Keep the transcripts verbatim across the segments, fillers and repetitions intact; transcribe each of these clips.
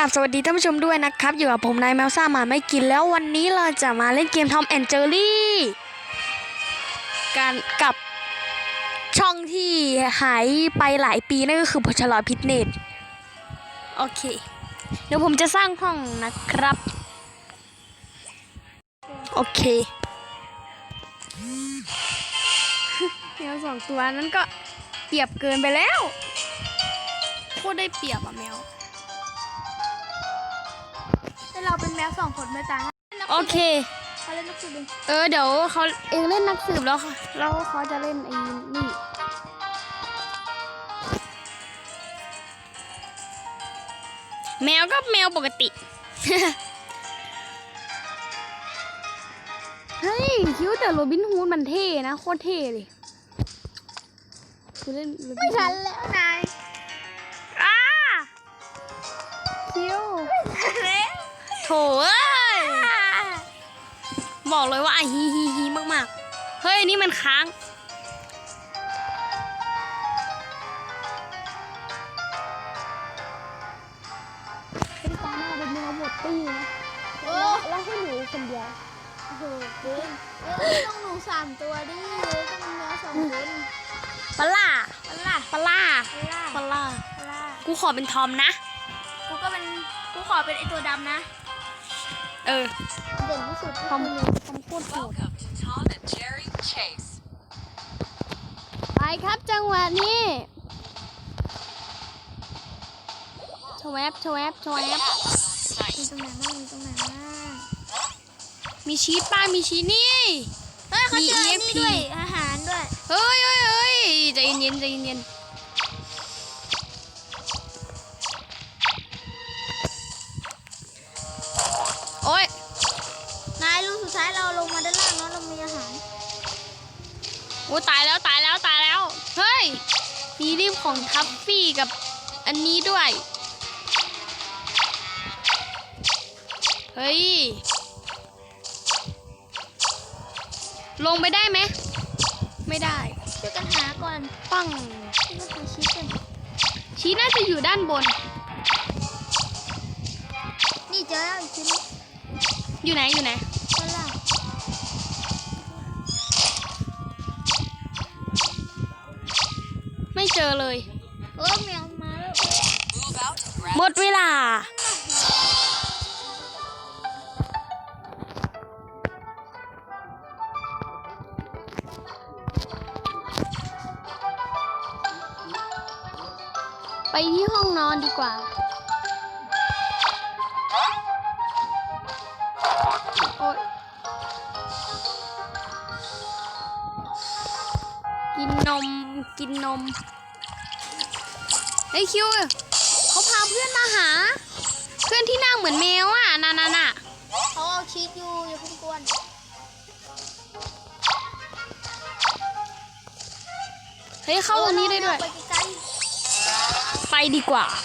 บสวัสดีท่านผู้ชมด้วยนะครับอยู่กับผมนายแมวซ่าหมาไม่กินแล้ววันนี้เราจะมาเล่นเกมทอมแอนด์เจอรี่การกับช่องที่หายไปหลายปีนั่นก็คือพชรพิทเนตโอเคเดี๋ยวผมจะสร้างห้องนะครับโอเคแมวสองตัวนั้นก็เปรียบเกินไปแล้วโคตรได้เปรียบอะแมวแต่เราเป็นแมวสองคนไม่ต่างกันโอเคเขาเล่นนักสืบเองเออเดี๋ยวเขาเองเล่นนักสืบแล้วแล้วเขาจะเล่นไอ้นี่แมวก็แมวปกติ เฮ้ยคิดว่าแต่โรบินฮูดมันเท่นะโคตรเท่เลยคือเล่นไม่ทันแล้วนายอ้าคิวโถเอ้ยบอกเลยว่าฮีฮีฮีมากๆเฮ้ยนี่มันค้างเป็นตาหน้าเป็นแมวหมดตีนะแล้วให้หนูคนเดียวโอ้โหเกินเอ้ยต้องหนูสามตัวดิต้องเป็นแมวสองคนปลาปลาปลาปปลาลาปลากูขอเป็นทอมนะกูก็เป็นกูขอเป็นไอตัวดำนะเออเด่นที่สุดทอมทอมโคตรโหดไปครับจังหวะนี้ชวบชวบชวบมีตรงไหนบ้างมีตรงไหนบ้างมีชีสป้ามีชีสนี่เฮ้ยเขาเจอนี่ด้วยอาหารด้วยเฮ้ยเฮ้ยเฮ้ยใจเย็นใจเย็นโอ้ยนายลูกสุดท้ายเราลงมาด้านล่างเนาะเรามีอาหารโอ้ตายแล้วตายแล้วตายแล้วเฮ้ยมีรีบของทัฟฟี่กับอันนี้ด้วยเฮ้ยลงไปได้ไหมไม่ได้ช่วยกันหาก่อนปังช่วยกันหาชีสกันชีสน่าจะอยู่ด้านบนนี่เจอแล้วอีกชิ้นอยู่ไหนอยู่ไหนด้านล่างไม่เจอเลยเออแมวมาแล้วหมดเวลาไปที่ห้องนอนดีกว่าโอ๊ยกินนมกินนมเฮ้ยคิวเขาพาเพื่อนมาหาเพื่อนที่หน้าเหมือนแมวอ่ะน่ะน่ะน่ะเขาเอาชีสอยู่อย่าเพิ่งกวนเฮ้ยเข้าตรงนี้ได้ด้วยไปดีกว่า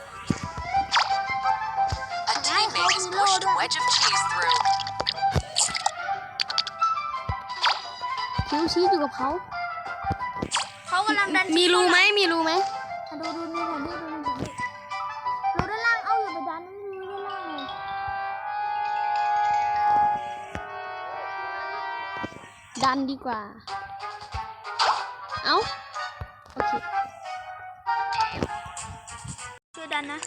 คิวชีสอยู่กับเขาเขากำลังดันมีรูไหมมีรูไหมดูดูนี่ผมดูดูนี่ผมดูด้านล่างเอาอยู่ไปดันดูด้านล่างเลยดันดีกว่าเอ้าโอเคช่วยดันนะ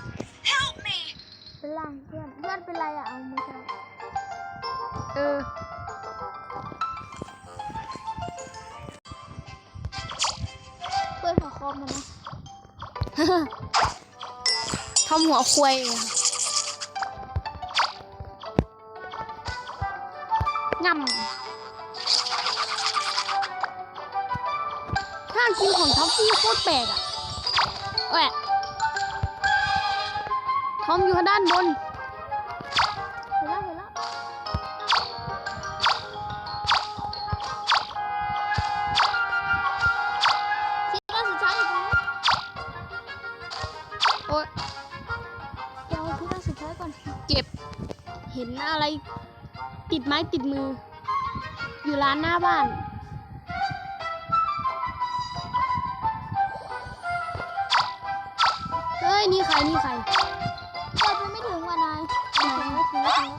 เป็นล่างเพื่อนเพื่อนเป็นไรอะเอามือจับเออเพื่อนหัวคอมมันนะทำหัวควายง่ำถ้ากินของท็อฟฟี่โคตรแปลกอ่ะแหวะทอมอยู่ด้านบนเห็นแล้วเห็นแล้วที่เราสุดท้ายอยู่ตรงนี้โอ๊ยเดี๋ยวที่เราสุดท้ายก่อนเก็บเห็นอะไรติดไม้ติดมืออยู่ร้านหน้าบ้านเฮ้ยนี่ใครนี่ใครก็ถึงแล้วถึง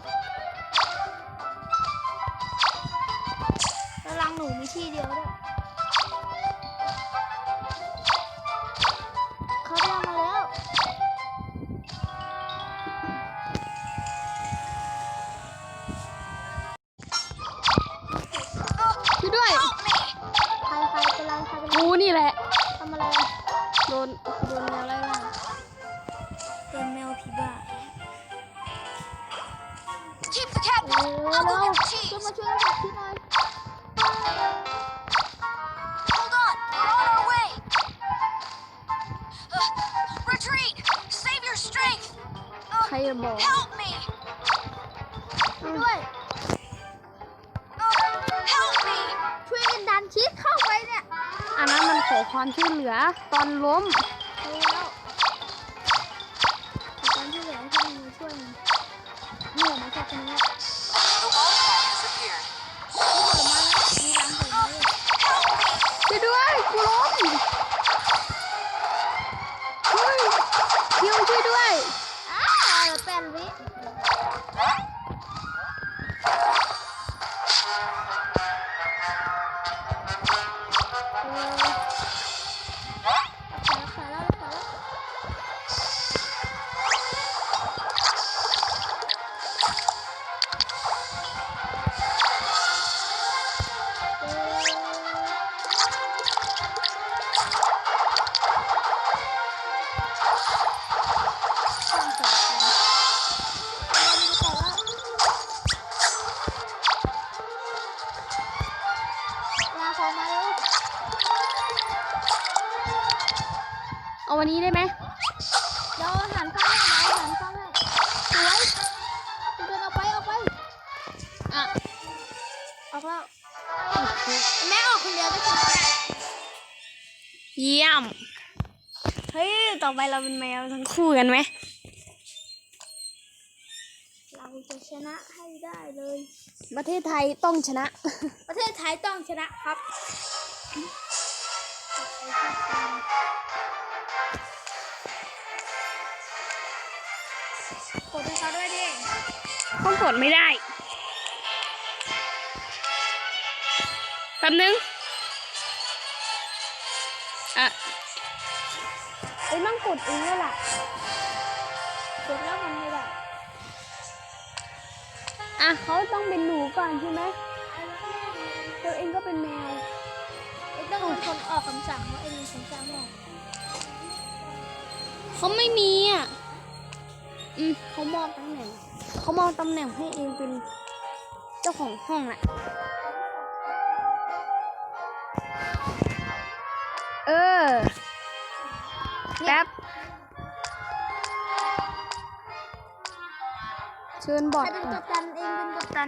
แล้วแล้วรังหนูมีที่เดียวด้วยเขาไปเอามาแล้วช่วยด้วยใครใครเป็นไรใครเป็นไรกูนี่แหละทำอะไรอะโดนโดนแมวไล่ล่าเป็นแมวผีบ้า Keep the เอ cat. อ I'll เร็ go ว get the ช่วย cheese. มาช่วยกันจับที่หน่อย Hold on, we're on our way. Uh, retreat. Save your strength. ใครจะบอก Help me. ด้วย Uh, help me. ช่วยกันดันชิดเข้าไปเนี่ยอันนั้นมันขอความช่วยเหลือตอนล้มรู้แล้วขอการช่วยเหลือให้คนอื่นช่วยหน่อยนี่ออกมาแค่ตรงนี้ The wall cat has appeared. นี่ออกมาแล้วมีรังผมเลยช่วยด้วยกูล้มช่วยคิวช่วยด้วยอ้าเหลือแปดวิเออรักษารักษาแล้วรักษาแล้วเออ ความสำคัญเราดูก่อนว่าลาของมาเร็วเอาวันนี้ได้ไหมเดี๋ยวหันข้างให้เดี๋ยวหันข้างให้สวยคุณเดินออกไปออกไปอ่ะออกแล้วแม่ออกคนเดียวได้ไหมเยี่ยม เฮ้ย ต่อไปเราเป็นแมวทั้งคู่กันไหมเราจะชนะให้ได้เลยประเทศไทยต้องชนะประเทศไทยต้องชนะครับกดให้เขาด้วยดิต้องกดไม่ได้แป๊บนึง อ่ะไอ้มั่งกดเองเลยล่ะกดแล้วมันไม่ได้อ่ะเขาต้องเป็นหนูก่อนใช่ไหมตัวเองก็เป็นแมวไอ้ต้องเป็นคนออกคำสั่งว่าไอ้มีคำสั่งออกเขาไม่มีอ่ะ อืมเขามอบตำแหน่ง เขามอบตำแหน่งให้เองเป็นเจ้าของห้องอ่ะ เออ แป๊บ เชิญบอใครดเป็นก่อนกัปตันเองเป็นกัปตัน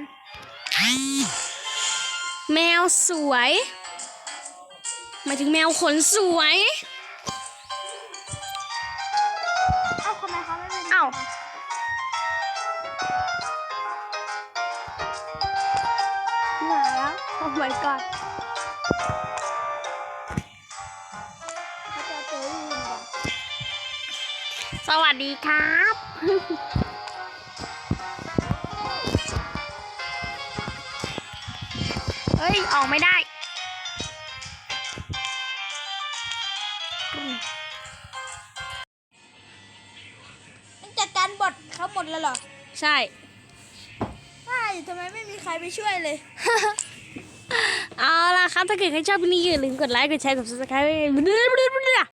แมวสวยหมายถึงแมวขนสวยเอ้าทำไมเขาไม่เป็นเอ้า หนาแล้ว โอ้ my god เขาจะเจออยู่เหรอสวัสดีครับ เฮ้ย ออกไม่ได้มันจัดการบอทเขาหมดแล้วเหรอใช่ใช่ทำไมไม่มีใครไปช่วยเลยเอาล่ะครับ ถ้าเกิดใครชอบคลิปนี้อย่าลืมกดไลค์ กดแชร์ กด ซับสไครบ์